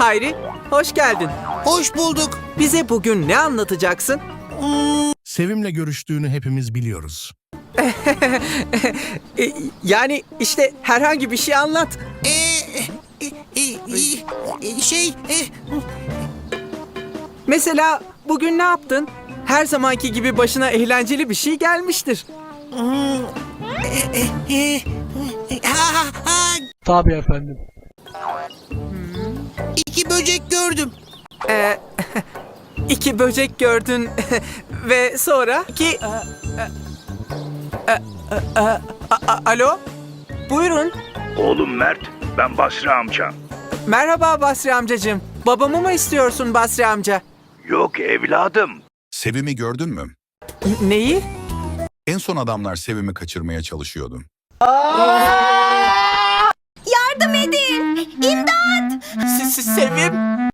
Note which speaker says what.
Speaker 1: Hayri, hoş geldin.
Speaker 2: Hoş bulduk.
Speaker 1: Bize bugün ne anlatacaksın?
Speaker 3: Sevim'le görüştüğünü hepimiz biliyoruz.
Speaker 1: Yani işte herhangi bir şey anlat.
Speaker 2: Şey,
Speaker 1: Mesela bugün ne yaptın? Her zamanki gibi başına eğlenceli bir şey gelmiştir.
Speaker 4: Tabii efendim.
Speaker 2: 2 böcek gördüm.
Speaker 1: İki böcek gördün ve sonra Alo? Buyurun.
Speaker 5: Oğlum Mert, ben Basri amcan.
Speaker 1: Merhaba Basri amcacığım. Babamı mı istiyorsun Basri amca?
Speaker 5: Yok evladım.
Speaker 6: Sevim'i gördün mü?
Speaker 1: Neyi?
Speaker 6: En son adamlar Sevim'i kaçırmaya çalışıyordu.
Speaker 7: Yardım edin! İmdat!
Speaker 1: Sevim?